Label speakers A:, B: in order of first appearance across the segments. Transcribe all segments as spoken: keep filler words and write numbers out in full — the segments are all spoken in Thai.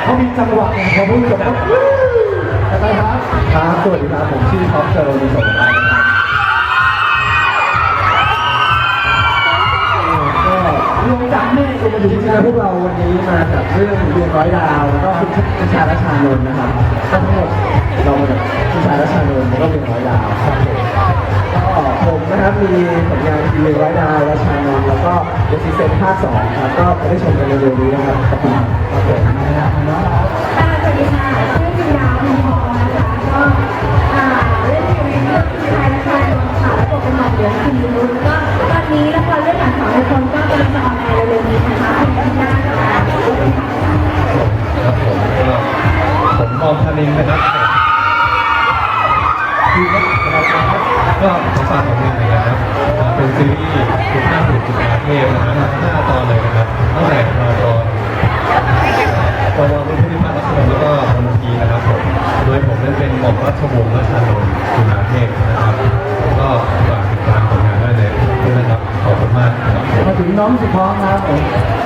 A: เขามีจังหวะของเขาพูดกับอะไรครับครับสวัสดีครับผมชื่อท็อปเจอร์มีสมบัติรวมจากแม่เอมาดูจริงๆพวกเราวันนี้มาจากเรื่องดวงร้อยดาวแล้วก็ผู้ชายและชานนท์นะครับทั้งหมดเรามาจากผู้ชายและชานนท์แล้วก็ดวงร้อยดาวครับก็ผมนะครับมีผลงานทีวีร้อยดาวและชานนท์แล้วก็เดซิเซนภาคสองครับก็ไปได้ชมกันเร็วๆนี้นะครับขอบคุณครับผมนะครับน้อง
B: สวัสดีค่ะชื่อจินดาพิมพรนะคะก็เล่นอยู่ในเรื่องผู้ชายและชายนนท์ค่ะและบทเป็นหมอเหลืองคิมบุญรุ่นก็ตอนนี้ละครเรื่องหลังสองในคนก็กำลังจะออนแอร์เร็วๆนี้นะคะเป็นหน้าค่ะ
C: ครับผมผมมองคารินนะครับคือก็ขอฝากผลงานนะครับเป็นซีรีส์คุณภาพบุตรจุฬาเทพนะครับห้าตอนเลยนะครับตั้งแต่ตอนตอนตอนรุ่นผู้พิพากษารัชนนท์แล้วก็พลทีนะครับผมโดยผมนั้นเป็นหม่อมราชวงศ์รัชนนท์จุฬาเทพนะครับก็ฝากติดตามผลงานได้เลยนะครับขอบคุณมากครับ
A: มาถึงน้องสุพรครับผม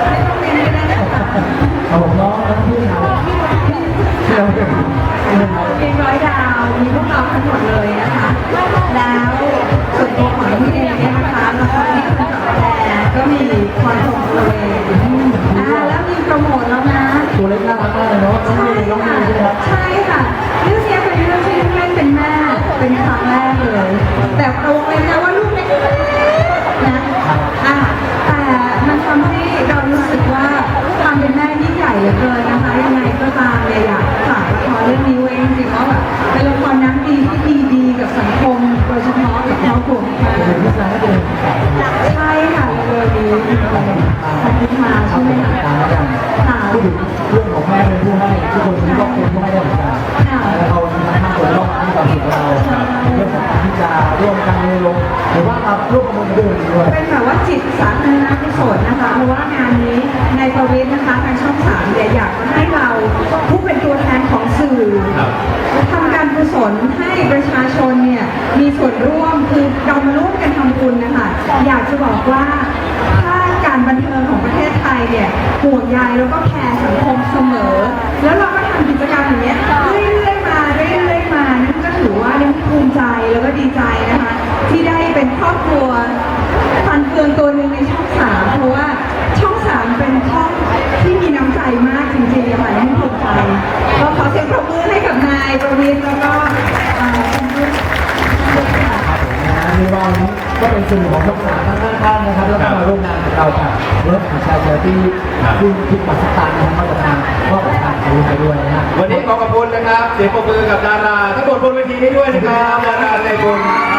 A: เอาผมน้องทั้งพี่ครับที่เราเป็น
B: เป็นร้อยดาวมีพวกเราทั้งหมดเลยนะคะแล้วส่วนตัวของพี่เองเนี่ยนะคะละครที่คุณแต่ก็มีคอนโทรลเลยอ่าแล้วมีโปรโมทแล้วนะ
A: ตัวเล็กน่ารักมากเลยเนาะน้องมีน้องมีใช่ไหมครับ
B: ใช่ค่ะเรื่องนี้เป็นเรื่องที่เล่นเป็นแม่เป็นครั้งแรกเลยแต่โปรเลยนะว่าลูกเล็กนะอ่าแต่มันทำให้เรารู้สึกว่าความเป็นแม่ยิ่งใหญ่เหลือเกินนะคะยังไงก็ตามเนี่ยอยากฝากละครเรื่องนี้ไว้จริงๆว่าแบบเป็นละครน้ำดีที่ดีดีกับสังคมโดยเฉพาะกับครอบครัวค่ะใช่ค่ะเลยนี้ขอบคุณมาใช่ไหมคะค่ะ
A: พูดถึงเรื่องของแม่เป็นผู้ให้ทุกคนที่ต้องเป็นผู้ให้ได้เหมือนกันแล้วเราทั้งห้าคนต้องให้ความสุขเราเรื่องของที่จะร่วมกันลงหรือว่าเราร่วมกันด้วยด้วย
B: เป็นแบบว่าจิตสาธารณกุศลนะคะเพราะว่างานนี้ในประวิตรนะคะทางช่องสามเนี่ยอยากให้เราผู้เป็นตัวแทนของสื่อทำการกุศลให้ประชาชนเนี่ยมีส่วนร่วมคือเรามาร่วมกันทำบุญนะคะอยากจะบอกว่าถ้าการบันเทิงของประเทศไทยเนี่ยห่วงใยแล้วก็แคร์สังคมเสมอแล้วเราก็ทำกิจกรรมอย่างเงี้ยเรื่อยๆมาเรื่อยๆมานั่นก็ถือว่ายังภูมิใจแล้วก็ดีใจนะคะที่ได้เป็นครอบครัวฟันเฟืองตัวหนึ่งในช่องสามเพราะว่าช่องสามเป็นช่องที่มีน้ำใจมากจริงๆค่ะยังภูมิใจก็ขอเสียงปรบมือให้กับนายประวิตรแล้วก็คุณผู้ชม
A: ในวันนี้ก็เป็นสื่อของช่องสามทั้งห้าท่านนะครับแล้วก็มาร่วมงานกับเราค่ะเรื่องของชายเชอร์ที่ที่ที่ปักสตานนะครับมาจากทางก็จากทางไทยไปด้วยนะฮะ
C: วันนี้ขอขอบคุณนะครับเสียงปรบมือกับดาราทั้งหมดบนเวทีนี้ด้วยนะครับดาราในบุญ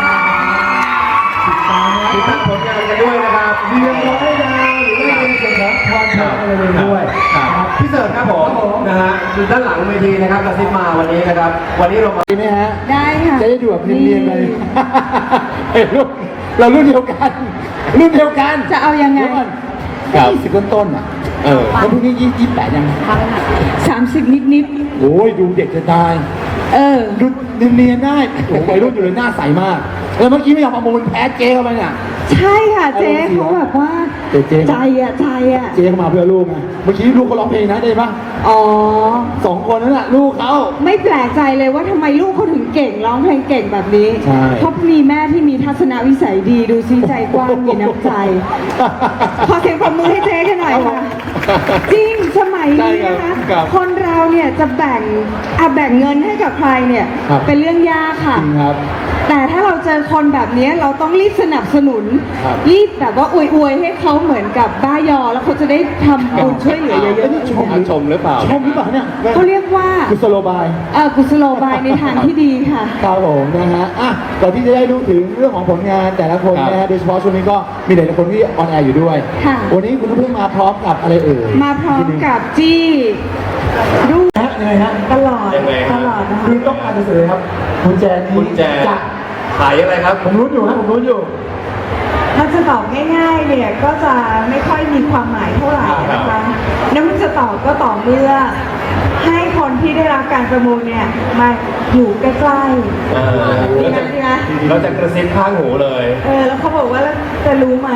C: ติดตามผลงานกันด้วยนะครับ
A: เรียนร้อยดาวหรือว่าเป็นส่วนของพรเทพอะไรด้วย
C: พี่เสิร์ฟครับผมนะฮะอยู่ด้านหลังเวทีนะครับกระซิบมาวันนี้นะครับวันนี้เรามา
A: ดีไหมฮะ
B: ได้ค่ะ
A: จะได้ดูแบบเนียนๆเลยเฮ้ยรุ่นเรารุ่นเดียวกันรุ่นเดียวกัน
B: จะเอายังไง
A: ยี่สิบต้นๆอ่ะเออแล้วพรุ่งนี้ยี่สิบแปดยัง
B: สามสิบนิด
A: ๆโอ้ยดูเด็กจะตาย
B: เออ
A: ดูเนียนๆได้โอ้วัยรุ่นอยู่เลยหน้าใสมากแล้วเมื่อกี้ไม่ยอมประมูลแพ้เจ๊เข้าไปเนี่ย
B: ใช่ค่ะเจ๊เขาแบบว่าใจอ่ะใจอ่ะ
A: เจ๊เข้ามาเพื่อลูกไงเมื่อกี้ลูกเขาร้องเพลงนะได้ปะ
B: อ๋อ
A: สองคนนั่นแหละลูกเขา
B: ไม่แปลกใจเลยว่าทำไมลูกเขาถึงเก่งร้องเพลงเก่งแบบนี้เพราะมีแม่ที่มีทัศนวิสัยดีดูซีใจกว้างมีน้ำใจขอเสียงปรบมือให้เจ๊กันหน่อยค่ะจริงสมัยนี้นะคะคนเราเนี่ยจะแบ่งอ่ะแบ่งเงินให้กับใครเนี่ยเป็นเรื่องยากค่ะแต่ถ้าเราเจอคนแบบนี้เราต้องรีบสนับสนุนรีบแบบว่าอวยๆให้เขาเหมือนกับบ้ายอแล้วเขาจะได้ทำบุญช่วยเหลือเยอะ
A: ๆชม
C: ชมหรือเปล่า
A: ชมหรือเปล่าเนี่ย
B: เขาเรียกว่า
A: กุศโลบาย
B: เออกุศโลบายในทางที่ดีค่ะ
A: ครับผมนะฮะอ่ะก่อนที่จะได้รู้ถึงเรื่องของผลงานแต่ละคนนะฮะโดยเฉพาะช่วงนี้ก็มีหลายคนที่ออนแอร์อยู่ด้วยวันนี้คุณเพิ่งมาพร้อมกับอะไรเอ่ย
B: มาพร้อมกับจี้ดู
A: ยังไงฮะ
B: ตลอดตลอดนะคะ
A: คือต้องการจะสื่อครับคุณแจนี้
C: คุณแจขายอะไรครับ
A: ผมรู้อยู่ครับผมรู้อยู่
B: ถ้าจะตอบง่ายๆเนี่ยก็จะไม่ค่อยมีความหมายเท่าไหร่นะคะน้ำมันจะตอบก็ต่อเมื่อให้คนที่ได้รับการประมูลเนี่ยมาอยู่ใกล้ๆดีไหมดีไหม
C: เราจะกระซิบข้างหูเลย
B: เออแล้วเขาบอกว่าจะรู้ไหม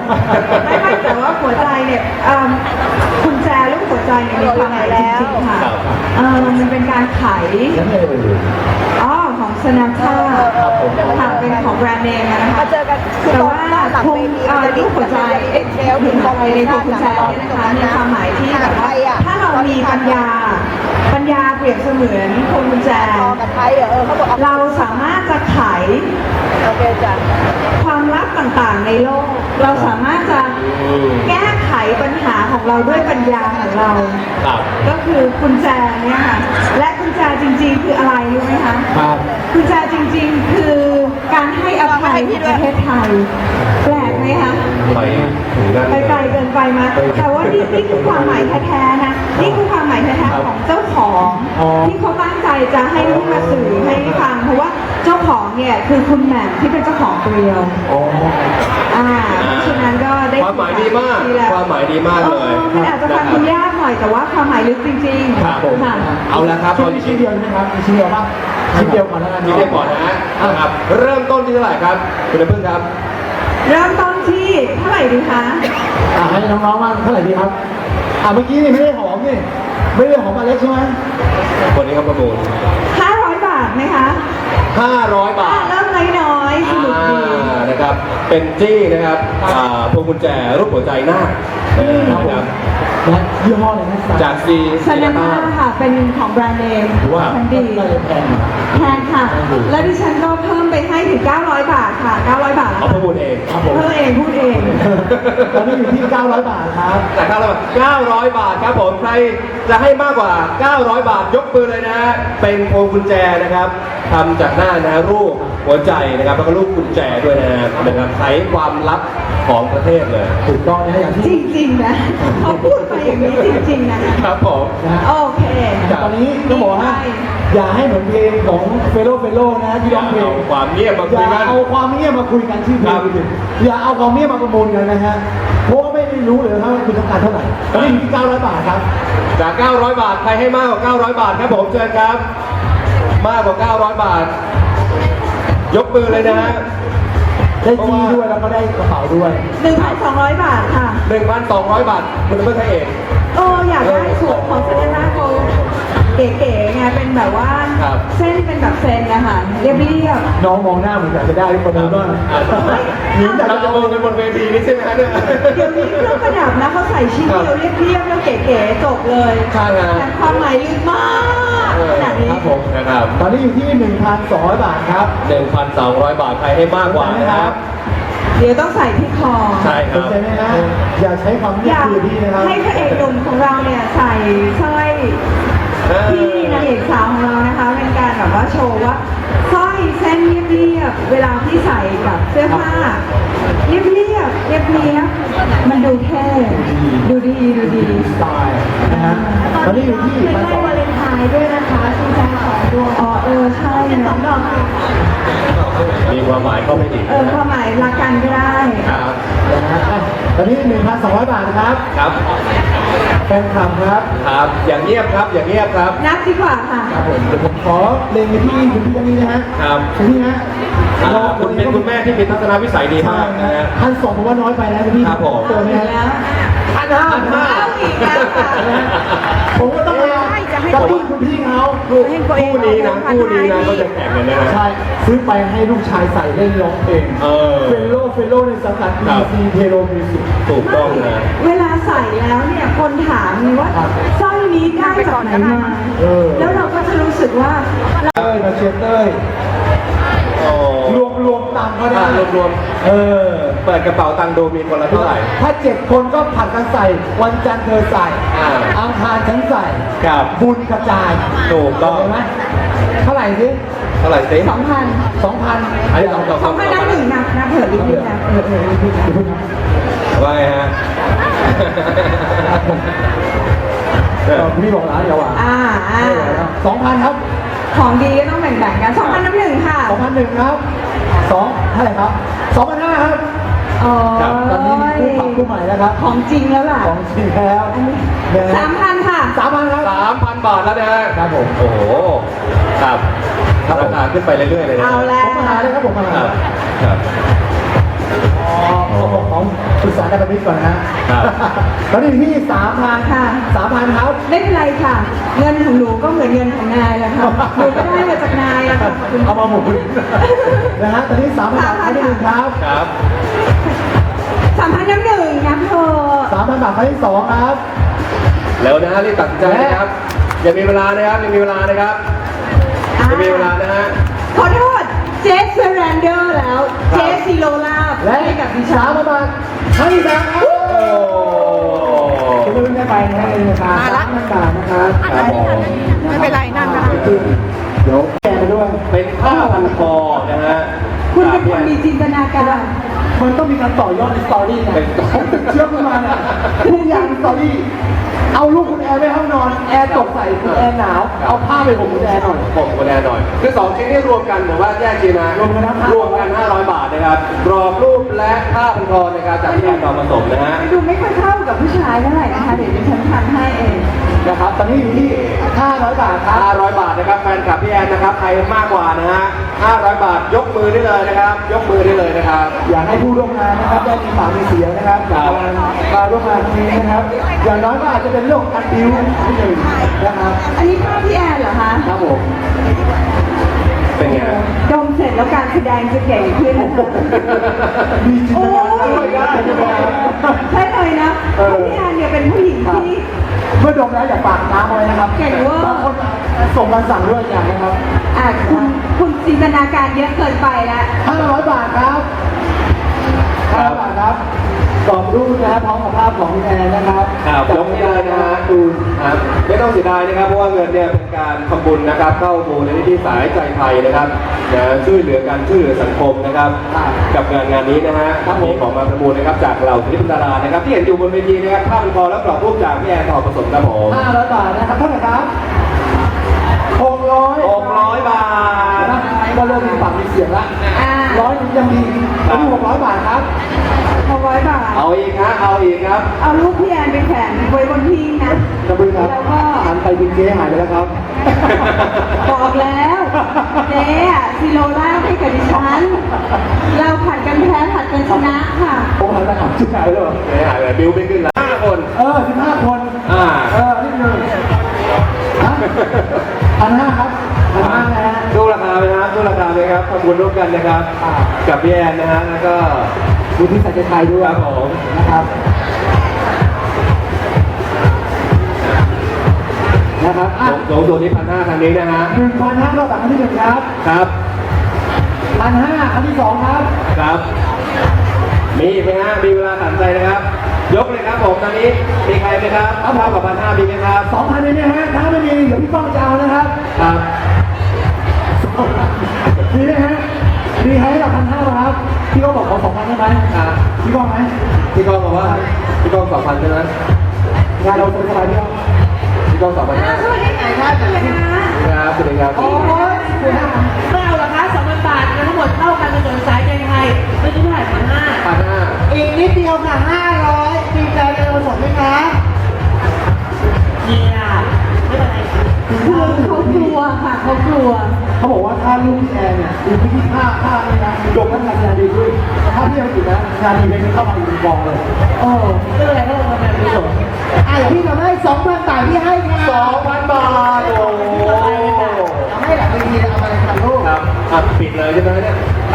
B: ไม่ไม่แต่ว่าหัวใจเนี่ยคุณแจลูกหัวใจเนี่ยมีความหมายจริงๆค่ะไข
A: ยังไงเอ่ย
B: อ๋อของสนาค่า
A: ครับผม
B: ค่ะเป็นของแบรนด์เนมนะคะ
D: มาเจอกันคือ
B: แต่
D: ตอน
B: ว่า
D: หน้าหลัง
B: คง
D: เวที
B: เอ่อ
D: จะ
B: รูปหัวใจเอ็ก
D: เซ
B: เซ
D: ล
B: ล
D: ถึ
B: ถึ
D: ง
B: ง
D: ตรง
B: อะไรในตัวกุญแจเนี่ยนะคะมีความหมายที่แบบว่าถ้าเรามีปัญญา ปัญญาเปรียบเสมือนพวงกุญแจ
D: ต่อกับไทยเหรอเออเขาบอก
B: เราสามารถจะไข
D: โอเคจ้ะ
B: ความลับต่างๆในโลก เราสามารถจะแก้ไขปัญหาของเราด้วยปัญญาของเรา
C: ครับ
B: ก็คือกุญแจเนี่ยค่ะ และกุญแจจริงๆ คืออะไรรู้ไหมคะ
A: ครับ
B: กุญแจจริงๆ คือการให้อภัยของประเทศไทย แปลกไหมคะ
C: ไปถึงนั่น
B: ไปไกลเกินไปมาแต่ว่านี่นี่คือความหมายแท้ๆนะ นี่คือความหมายแท้ๆของเจ้าของ
A: อ๋อ
B: ที่เขาตั้งใจจะให้ลูกมาสื่อให้ฟัง เพราะว่าเจ้าของเนี่ยคือคุณแหม่มที่เป็นเจ้าของเกลียว
A: อ๋อ
B: อ่าเพราะฉะนั้นก็ได้
C: ความหมายดีมาก
B: แล้ว
C: ความหมายดีมากเลย
B: ออมันอาจจะฟังคุณยากหน่อยแต่ว่าความหมายลึกจริงๆ
C: ครับผม
B: ค่ะ
C: เอาละครับ
A: ชิ้นนี้ชิ้นเดียวใช่ไหมครับมีชิ้นเดียวป่ะชิ้นเดียวก่อนแล้วกัน
C: ที
A: เนาะ
C: เดียวก่อนนะฮะนะครับ เริ่มต้นที่เท่าไหร่ครับ คุณน้ำพึ่งครับ
B: เริ่มต้นที่เท่าไหร่ดีคะ
A: อ่ะให้น้องๆว่างเท่าไหร่ดีครับ อ่ะเมื่อกี้นี่ไม่ได้หอมนี่ไม่ได้หอมอเล็กใช่ไหม
C: คนนี้เขาประมูล
B: ห้าร้อยบาทไหมคะ
C: ห้าร้อยบา
B: อ่า
C: ท
B: เริ่มน้อยๆสนุกดี
C: อ่านะครับ เป็นจี้นะครับอ่าพวงกุญแจรูปหัวใจหน้าเออนะครับ
A: และยี่ห้ออะไรนะ
C: จากซี
B: ซานาม่าค่ะ เป็นของแบรนด์เนม
C: ถือว่า
B: ทันดี
A: ก็เลยแพง
B: แพงค่ะ แล้วดิฉันก็เพิ่มไปให้ถึง เก้าร้อย บาทค่ะ เก้าร้อย บาท
C: เอาประมูลเอง
A: ครับผม
B: เพิ่มเองพูดเอง
A: ตอนนี้อยู่ที่เก้าร้อยบาทครับ
C: จากเก้าร้อยบาทเก้าร้อยบาทครับผม ใครจะให้มากกว่า เก้าร้อย บาท ยกมือเลยนะฮะ เป็นพวงกุญแจนะครับทำจากหน้านะรูปหัวใจนะครับ แล้วก็รูปกุญแจด้วยนะฮะนะครับใช้ความลับของประเทศเลย
A: ถูกต้องนะฮะอย่าง
B: จ
A: ที่
B: ริงๆนะเขาพูดมาอย่างนี้จริงๆนะครับ
C: ผม
A: นะฮะ
B: โอเค
A: แต่ตอนนี้ก็บอกว่าอย่าให้เหมือนเพลงของเฟโลเฟโลนะที่ร้องเพลง
C: เอาความเงียบมา
A: อ
C: คุย
A: ย่า
C: กัน
A: เอาความเงียบมาคุยกันชื่อเพล
C: ครั
A: ง
C: บ
A: อย่าเอาความเงียบมาประมูลกันนะฮะเพราะว่าไม่ได้รู้เลยว่าคุณต้องการเท่าไหร่ตอนนี้อยู่ที่เก้าร้อยบาทครับ
C: จาก เก้าร้อย บาท ใครให้มากกว่า เก้าร้อย บาทครับผมเชิญครับ มากกว่า เก้าร้อย บาท ยกมือเลยนะฮะ
A: ได้จี้ด้วยแล้วก็ได้กระเป๋าด้วย
B: หนึ่งพันสองร้อย บาทค่ะ
C: หนึ่งพันสองร้อย บาท คุณเพื่อนให้เอง
B: เอออยากได้สูตรของเซเลน่าโกเก๋ๆไงเป็นแบบว่า
C: ครับ
B: เส้นเป็นแบบเซนนะคะเรียบเรียบ
A: น้องมองหน้าเหมือนอยากจะได้ประมูลบ้าง
C: หรือเราจะมองกันบนเวทีนี้ใช่ไหมฮะเนี่ย
B: เดี๋ยวนี้เครื่องประดับนะเขาใส่ชิ้นเดียวเรียบเรียบแล้วเก๋ๆจบเลย
C: ใช่ฮะ
B: แต่ความหมายลึกมากขนาดนี้
A: ครับผม
C: นะครับ
A: ตอนนี้อยู่ที่หนึ่งพันสองร้อยบาทครับ
C: หนึ่งพันสองร้อย บาท ใครให้มากกว่านะครับ
B: เดี๋ยวต้องใส่ที่คอ
C: ใช่ค
A: ส
C: รั
A: น
C: บ
A: ใจไหมฮะอย่าใช้ความ
B: อ
A: เงียบ
B: ยาก
A: คุยกับพี่นะครับ
B: ให้พระเอกหนุ่มของเราเนี่ยใส่สร้อยที่นางเอกสาวของเรานะคะ เป็นการแบบว่าโชว์ว่าสร้อยเส้นเรียบๆเวลาที่ใส่กับเสื้อผ้าเรียบๆเรียบเรียบๆมันดูเท่ดูดีดูดี
A: สไตล์นะฮะตอนนี้อยู่ที่พันสอง
B: วาเลนไทน์ด้วยนะคะคุณแจสองดวงอ๋อเออใช่เนาะ
C: มีความหมายเข้าไปอีก
B: เออความหมายรักกันก็ได้
C: ครับ
A: นะฮะอ่ะตอนนี้หนึ่งพันสองร้อยบาทนะครับ
C: ครับ
A: แฟนคลับครับ
C: ครับ อย่างเงียบครับ อย่างเงียบครับ
B: นับดีกว่าค่ะ
A: ครับผมเดี๋ยวผมขอเล็งไปที่คุณพี่ท่านนี้นะฮะ
C: ครับ
A: คุณพี่ฮะ
C: อ่าคุณเป็นคุณแม่ที่มีทัศนวิสัยดี
A: ใช่
C: มาก
A: นะ
C: นะ
A: ฮะ
C: ฮะ
A: พันสองผมว่าน้อยไปแล้วคุณพี่
C: ครับผม
A: เจอไหมฮะ
B: แล้ว
A: พันห้าพันห้า
B: เอาอีกแล้วค่ะ
A: ผมก็ต้องมากระตุ้นคุณพี่เขา
C: คู่คู่นี้นะคู่นี้นะก็จะแข่งกันนะฮะ
A: ใช่ซื้อไปให้ลูกชายใส่เล่นร้องเพลง
C: เออ
A: เฟลโลเฟลโลในสังกัด
C: ครั
A: บี
C: บ
A: ซีเทโลมิวสิก
C: ถูกต้องนะ
B: เวลาใส่แล้วเนี่ยคนถามเลยว่า
A: ครับ
B: สร้อยนี้ได้จากไหนมา
A: เออ
B: แล้วเราก็จะรู้สึกว่า
A: เต้ยมาเชียร์เต้ย
C: โอ้
A: รวมรวมตังค์ก็ได้
C: รวมรวม
A: เออ
C: ๆเปิดกระเป๋าตังค์ดูมีคนละเท่าไหร่
A: ถ้าเจ็ดคนก็ผัดกันใส่ วันจันทร์เธอใส่
C: อ่า
A: อังคารฉันใส่
C: ครับ
A: บุญกระจาย
C: ถูกต้อง
A: เห็นไหมเท่าไหร่สิ
C: เท่าไหร่สิ
B: สองพัน
A: สองพัน
C: อันนี้สองสอง
B: สองพันได้หนึ่งนับนะเผื่ออีกนิดนะเออเอออีกนิดนะ
C: ว่าไงฮะ
A: พี่บอกแล้วเดี๋ยวอ่ะ
B: อ่าอ่า
A: สองพันครับ
B: ของดีก็ต้องแบ่งๆกันสองพันน้ำหนึ่งค่ะ
A: สองพันหนึ่งครับสองเท่าไหร่ครับสองพันห้าครับ
B: อ๋อ
A: ตอนนี้มีคู่ปรับคู่ใหม่แล้วครับ
B: ของจริงแล้วล่ะ
A: ของจริงแล้ว
B: อันนี้
A: นะฮะ
B: สามพันค่ะ
A: สามพันครับ
C: สามพันบาทแล้วนะฮะ
A: ครับผม
C: โอ้โห ครับราคาขึ้นไปเรื่อยๆเลยนะ
B: เอา
C: ค
B: แล้
A: ผมมาหาเลยครับผมมา
C: รั
A: หา
C: บครับ
A: อ๋อขอของสุสานการมิตรก่อนนะฮะ
C: ครับ
A: ตอนนี้อยู่ที่สามพัน
B: ค่ะ
A: สามพันครับ
B: ไม่เป็นไรค่ะ เงินของหนูก็เหมือนเงินของนายแหละค่ะหนูก็ได้มาจากนายอะค่ะขอบคุณ
A: เอามาหมุนนะฮะตอนนี้สามพันบาทครั้งที่หนึ่งครับ
C: ครับ
B: สามพันน้ำหนึ่งนะเธอ
A: สามพันบาทครั้งที่สองครับ
C: แล้วนะฮะรีบตัดสินใจนะครับยังมีเวลานะครับยังมีเวลานะครับยังมีเวลานะฮะ
B: ขอโทษเจสเซเรนเดอร์แล้ว เจสซิโลลาบ
A: และ
B: ให้กับดิฉั
A: สาม
B: น
A: พันบาทครั้งที่สามครับ
C: โอ้
A: คุณไม่ได้ไปนะเองนะครับสามพันบาทนะครับ
C: ครับผม
D: ไม่เป็นไรนั่นก็ได้
A: เดี๋ยวแกไปด้วย
C: เป็นผ้าพันคอนะฮะ
B: คุณเป็นคนมีจินตนาการ
A: มันต้องมีการต่อยอดในสตอรี่ไง
C: เป็นต่อ
A: เชื่อคุณมาเนี่ยทุกอย่างในสตอรี่ เอาลูกคุณแอร์ไปห้องนอน แอร์ตกใส่คุณแอร์หนาว เอาผ้าไปห่มคุณแอร์หน่อย
C: ผมก็แน่หน่อยคือสองชิ้นนี้รวมกันหรือว่าแยกชิ้นนะ
A: รวมกันนะ
C: รวมกันห้าร้อยบาทนะครับกรอบรูปและผ้าพันคอในการจัดแยกต่อผสมนะฮะ
B: ดูไม่ค่อยเข้ากับผู้ชายเท่าไหร่นะคะ เดี๋ยวดิฉันทำให้เอง
A: นะครับ ตอนนี้อยู่ที่ห้าร้อยบาทครับ
C: ห้าร้อยบาทนะครับแฟนคลับพี่แอนนะครับใครมากกว่านะฮะห้าร้อยบาทยกมือได้เลยนะครับ ยกมือได้เลยนะครับ
A: อยากให้ผู้ร่วมงานนะครับได้มีปากมีเสียงนะครับจากการมาร่วมงานครั้งนี้นะครับ อย่างน้อยก็อาจจะเป็นเรื่องของการดิวที่หนึ่งนะครับ
B: อันนี้ภาพพี่แอนเหรอคะ
A: ครับผม
C: เป็นไง
B: ดมเสร็จแล้วการแสดงจะเก่งขึ้นนะคะ
A: มีจินตนาการด้วยได้ใช่ไหมครับ
B: ใช่เลยนะเพราะพี่แอนเนี่ยเป็นผู้หญิงที่
A: เมื่อดมแล้วอย่าปากน้ำเอาไว้นะครับ
B: เก่งเวอร์
A: บางคนส่งการสั่งด้วยอย่างนะครับ
B: อ่ะคุณคุณจินตนาการเยอะเกินไปแล้ว
A: ห้าร้อยบาทครับห้าร้อยบาทครับกรอบรูปนะครับพร้อมกับภาพของคุณแอนนะครับ
C: ครับยกไม่ได้นะฮะดูครับไม่ต้องเสียดายนะครับเพราะว่าเงินเนี่ยเป็นการทำบุญนะครับเข้ามูลนิธิสายใจไทยนะครับนะช่วยเหลือกันช่วยเหลือสังคมนะครับกับงานงานนี้นะฮะมีของมาประมูลนะครับจากเหล่าศิลปินดารานะครับที่เห็นอยู่บนเวทีนะครับภาพเป็นคอและกรอบรูปจากพี่แอนทองผสมครับผม
A: ห้าร้อยบาทนะครับเท่าไหร่ครับหกร้อย
C: หกร้อยบาท
A: ก็เริ่มมีปากมีเสียงละ
B: อ่า
A: ร้อยยังดีอันนี้หกร้อยบาทครับ
B: หกร้อยบาท
C: เอาอีกฮะเอาอีกครับ
B: เอารูปพี่แอนไปแขวนไว้บนพิงนะ
A: กระบือครับ
B: แล้วก็
A: หันไปเป็นเจ๊หายไปแล้วครับ
B: บอกแล้วเจ๊อะซิโลล่าให้กับดิฉัน เราผัดกันแพ้ผัดกันชนะค่ะ
A: ผมหันไปหาชื่อหายเลย
C: ไม่หายเลยบิวไม่ขึ้นละห้าคน
A: เออสิบห้าคน
C: อ่า
A: เออนี่หนึ่งพันห้าครับพันห้านะฮะ
C: ดูราคาไหมครับดูราคาไหมครับทำบุญร่วมกันนะครับ
A: อ่า
C: กับพี่แอนนะฮะแล้วก็
A: ดูที่สัจไทยด้วย
C: ครับผม
A: นะครับนะครับอ่ะ
C: สูงสุดที่พันห้าทางนี้นะฮะ
A: หนึ่งพันห้ารอบครั้งที่หนึ่งครับ
C: ครับ
A: พันห้าครั้งที่สองครับ
C: ครับ มีอีกไหมฮะมีเวลาตัดใจนะครับ ยกเลยครับผมตอนนี้มีใครไหมครับเท่ากับพันห้ามีไหมครับ
A: สองพันเลยนะฮะถ้าไม่มีเดี๋ยวพี่ป้องจะเอานะครับ
C: ครับ
A: มีไหมฮะมีให้กับพันห้าครับพี่ก็บอกขอสองพันได้ไหม
C: ครับ
A: พี่ป้องไหม
C: พี่ก้องบอกว่าพี่ก้องสองพันใช่ไหม
A: งานเราสบายๆพี่ป้อง
C: พี่ก้องสองพัน
B: อ้าวสวัสดีค่ะสวัสดีค่ะ
C: ครับสวัสดีครับ
B: โอ้ย
E: ไม่เอาหรอกคะสองพันบาทเงินทั้งหมดเท่ากันเป็นส่วนสายใจไทยไม่ใช่เท่าไหร่พันห้า
C: พันห้า
E: อีกนิดเดียวค่ะห้าร้อยดีใจกันผสมไหมคะเนี่ยไม่เป็นไรค่ะ
B: คือเขากลัวค่ะเขากลัว
A: เขาบอกว่าถ้าลูกพี่แอนเนี่ยดูที่ผ้าผ้านี่นะดมแล้วงานดีขึ้นแต่ถ้าพี่ยังติดนะงานดีเลยเข้ามาอีกกองเลย
E: โอ้ไม่เป็นไรก็ลงมาเป็นประโยชน์อ่ะเดี๋ยวพี่ทำให้สองพันบาทพี่ให้ค่ะ
C: สองพันบาทโอ้โห
E: ทำให้หลังเวทีเอาไปทำรูป
C: ครับอ่ะปิดเลยใช่ไหมเนี่ย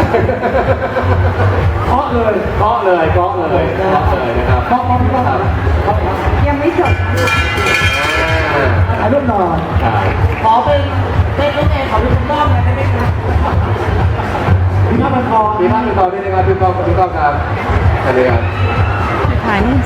A: เคาะเลย
C: เคาะเลยเคาะเลยเคาะเลยนะครับ
A: เคาะเคาะพี่ป้องเคาะครับ
B: ยังไม่จบนะ
C: อ่า
A: ถ่ายรูปหน่อย
C: ครับ
E: ขอเป็นเป็นลูกเองขอเป็นคุณป้อมเลยได้ไหมคะ
A: มีผ้าพันคอ
C: มีภาพเป็นตอนนี้นะครับพี่ก้องพี่ก้องครับอันนี้ครับ
B: ถ่ายนี่สิ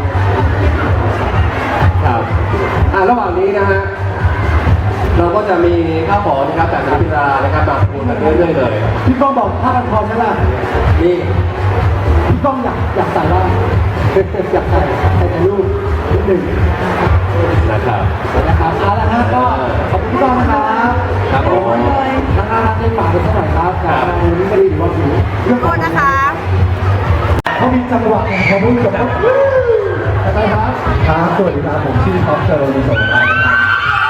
C: ครับอ่าระหว่างนี้นะฮะเราก็จะมีข้าวของนะครับจากนักกีฬานะครับมาพูดกันเรื่อยๆเลย
A: พี่ป้องบอกผ้าพันคอใช่ไหม
C: นี่
A: พี่ป้องอยากอยากใส่บ้างอยากใส่ใส่ในรูปนิดหนึ่ง
C: นะครับ
A: นะครับเอาละฮะก็ขอบคุณพี่ป้องนะครับ
C: ครับผม
A: ทางร้านได้ฝากไปเท่าไหร่ครับกับงานนี้ก็ดีหรือว่าผิวเรื่อง
D: โทษนะคะ
A: เขามีจังหวะของเขาพูดจบแล้วอะไรครับครับสวัสดีครับผมชื่อท็อปเจอร์มีสมบัติ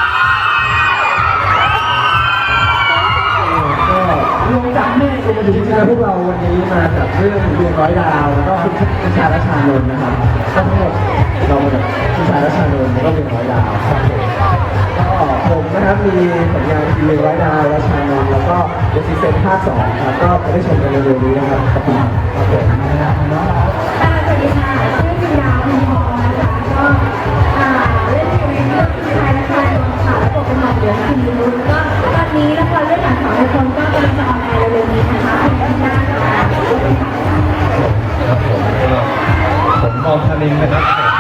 A: ก็รวมจากแม่เองมาอยู่ที่งๆพวกเราวันนี้มาจากเรื่องดวงร้อยดาวแล้วก็คุณชชาและชานนท์นะครับก็ทั้งหมดเรามาจากคุณชาและชานนท์แล้วก็ดวงร้อยดาวครับก็ผมนะครับมีผลงานทีดวงร้อยดาวและชานนท์แล้วก็เดซิเซนภาคสองครับก็ไปได้ชมกันเร็วๆนี้นะครับขอบคุณครับผมนะครับน้องครับ
B: ค่ะสวัสดีค่ะชื่อจินดาพิมพ์ทองนะคะก็อ่าเล่นทีวีเรื่องผู้ชายและชายนนท์ค่ะแล้วก็เป็นหมอเหลืองคิมรุนก็ตอนนี้ละครเรื่องหลังสองในคนก็กำลังจะออนแอร์เร็วๆนี้นะคะเป็นที่น่าค่ะ
C: ครับผมก็ผมมองธนินนะครับ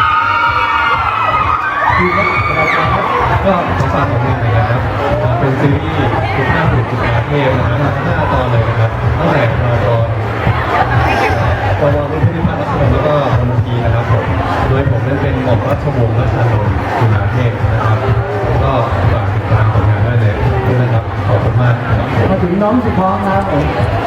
C: ก็ขอฝากผลงานหน่อยนะครับเป็นซีรีส์คุณภาพบุตรจุฬาเทพนะครับห้าตอนเลยนะครับตั้งแต่มาตอนปวรุ่นพิพัฒน์รัชนนท์แล้วก็มนตรีนะครับผมโดยผมนั้นเป็นหม่อมราชวงศ์รัชนนท์จุฬาเทพนะครับก็ฝากติดตามผลงานได้เลยด้วยนะครับขอบคุณมากครับ
A: มาถึงน้องสุดท้องครับผม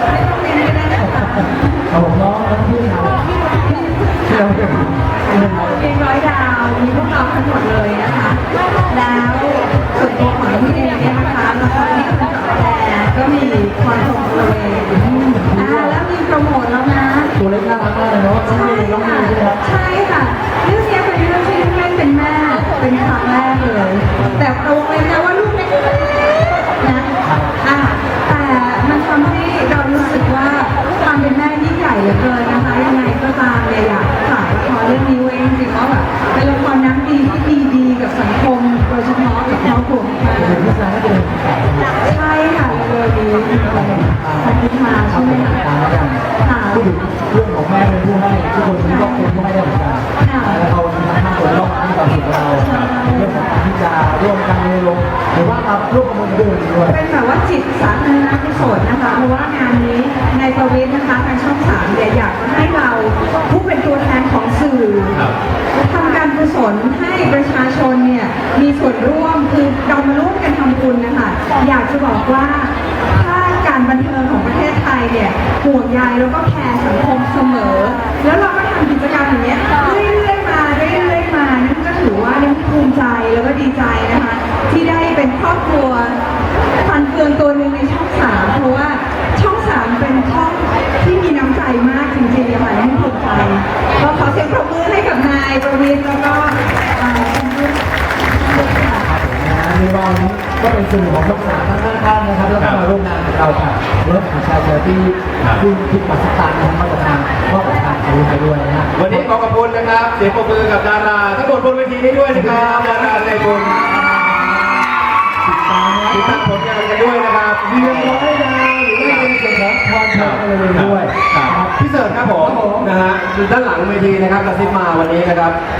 A: เอาผมน้องน้องพี่ครับที่เราเป็น
B: เป็นร้อยดาวมีพวกเราทั้งหมดเลยนะคะ แล้วส่วนตัวของพี่เองเนี่ยนะคะละครที่กำลังจะออนแอร์ก็มีความสมบูรณ์เลยอ่าแล้วมีโปรโมทแล้วนะ
A: ตัวเล็กน่ารักมากเลยเนาะน้อง
B: ใช่
A: มีน้องมี
B: ค่ะ
A: ใช่ไหมครับ
B: ใช่ค่ะเรื่องนี้เป็นเรื่องที่ลูกเล่นเป็นแม่เป็นครั้งแรกเลย แต่เราเลยนะว่าลูกเล่นนะอ่ะแต่มันทำให้เรารู้สึกว่าความเป็นแม่ยิ่งใหญ่เหลือเกินนะคะยังไงก็ตามเนี่ยอยากฝากละครเรื่องนี้ไว้จริงๆว่าแบบเป็นละครน้ำดีที่ดีดีๆกับสังคมโดยเฉพาะกับครอบครัวของ
A: เป็น
B: เรา
A: ผู้ชายก็เป็นแก่
B: ใช่ค่ะเลยนี้สันติมาใช่ไหมคะ
A: ตามแล้วกัน
B: ค่ะ
A: พูดถึงเรื่องของแม่เป็นผู้ให้ทุกคนที่ต้องเป็นผู้ให้ได้เหมือนกันแล้วเขาทั้งห้าคนต้องให้ความสุขเราเรื่องของการที่จะร่วมกันลงหรือว่ามาร่วมกับคนอื่นด้วย
B: เป็นแบบว่าจิตสาธารณกุศลนะคะเพราะว่างานนี้ในประวิทย์นะคะทางช่องสามเนี่ยอยากจะให้เราผู้เป็นตัวแทนของสื่อทำการกุศลให้ประชาชนเนี่ยมีส่วนร่วมคือเรามาร่วมกันทำบุญนะคะอยากจะบอกว่าถ้าการบันเทิงของประเทศไทยเนี่ยห่วงใยแล้วก็แคร์สังคมเสมอ แล้วเราก็ทำกิจกรรมอย่างเงี้ยเรื่อยๆมาเรื่อยๆมานั่นก็ถือว่ายังภูมิใจแล้วก็ดีใจนะคะที่ได้เป็นครอบครัวฟันเฟืองตัวหนึ่งในช่องสามเพราะว่าช่องสามเป็นช่องที่มีน้ำใจมากจริงๆอะค่ะที่ภูมิใจก็ขอเสียงปรบมือให้กับนายประวิตรแล้วก็เอ่อคุณผู้ค่ะ
A: ในวันนี้ก็เป็นสื่อของช่องสามทั้งห้าท่านนะครับแล้วก็มาร่วมงานกับเราค่ะเริ่มของชายเจอที่ซึ่งที่ปัสตานของมาตรฐานมอบประทานอาวุธไปด้วยนะฮะ
F: วันนี้ขอขอบคุณนะครับ เสียงปรบมือกับดาราทั้งหมดบนเวทีนี้ด้วยนะครับดาราในบุญติดตามผลงานกันด้วยนะครับ
A: เรียนร้อยดาวหรือว่าเป็นส่วนของพรชัยกันเลยด้วย
F: ครับพี่เสิร์ชครับผมนะฮะด้านหลังเวทีนะครับกระซิบมาวันนี้นะครับ